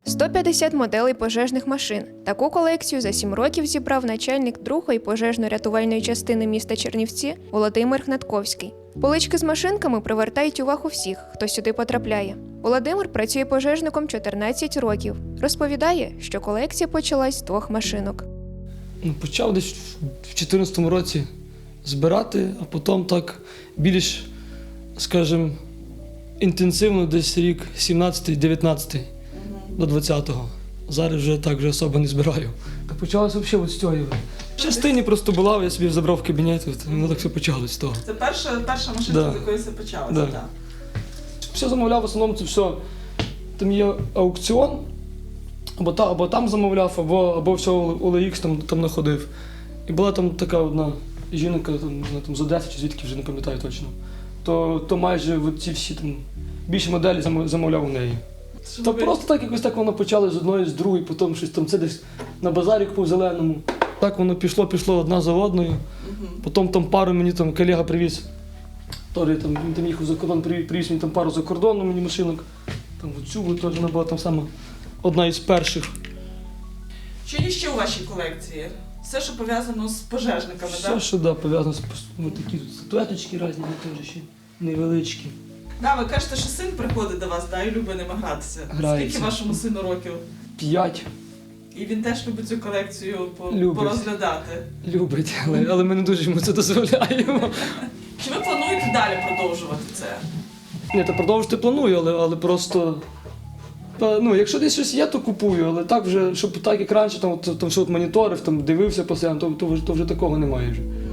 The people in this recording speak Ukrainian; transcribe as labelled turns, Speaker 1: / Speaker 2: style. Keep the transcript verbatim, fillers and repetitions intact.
Speaker 1: сто п'ятдесят моделей пожежних машин. Таку колекцію за сім років зібрав начальник другої пожежно-рятувальної частини міста Чернівці Володимир Гнатковський. Полички з машинками привертають увагу всіх, хто сюди потрапляє. Володимир працює пожежником чотирнадцять років. Розповідає, що колекція почалась з двох машинок.
Speaker 2: Ну, почав десь в дві тисячі чотирнадцятому році збирати, а потім так більш, скажімо, інтенсивно десь рік сімнадцятий-дев'ятнадцятий до двадцятого. Зараз вже так вже особо не збираю. Та почалося взагалі от з цього. В частині просто була, я собі забрав в кабінет, от, воно так все почалось з того.
Speaker 3: Це перша, перша машинка,
Speaker 2: Да.
Speaker 3: з якої все почалося,
Speaker 2: Да.
Speaker 3: так.
Speaker 2: Все замовляв, в основному це все. Там є аукціон, або, та, або там замовляв, або, або все о ел ікс там, там знаходив. І була там така одна жінка, там, не знаю, там з Одеси чи звідки, вже не пам'ятаю точно. То, то майже от ці всі там, більші моделі зам- замовляв у неї. Та просто так якось так воно почало з одної, з другої, потім щось там це десь на базарі по зеленому. Так воно пішло, пішло одна за одною. Потім там пару мені там колега привіз. Торі, там, він там їхав за кордон, привіз, привіз мені там пару за кордону мені машинок. Там оцю теж вона була там сама одна із перших.
Speaker 3: Що є ще у вашій колекції? Все, що пов'язано з пожежниками,
Speaker 2: Все,
Speaker 3: так?
Speaker 2: що да, пов'язано з ну, такі тут статуеточки різні, теж ще невеличкі.
Speaker 3: Да, ви кажете, що син приходить до вас, да, і любить ними гратися.
Speaker 2: Грається.
Speaker 3: Скільки вашому сину років?
Speaker 2: П'ять
Speaker 3: І він теж любить цю колекцію по-
Speaker 2: Любить.
Speaker 3: порозглядати.
Speaker 2: любить, але, але ми не дуже йому це дозволяємо.
Speaker 3: Чи ви плануєте далі продовжувати це?
Speaker 2: Ні, та продовжити планую, але, але просто. Та, ну, якщо десь щось є, то купую, але так вже, щоб так як раніше, там, от, там все от моніторив, там дивився постійно, то, то, вже, то вже такого немає вже.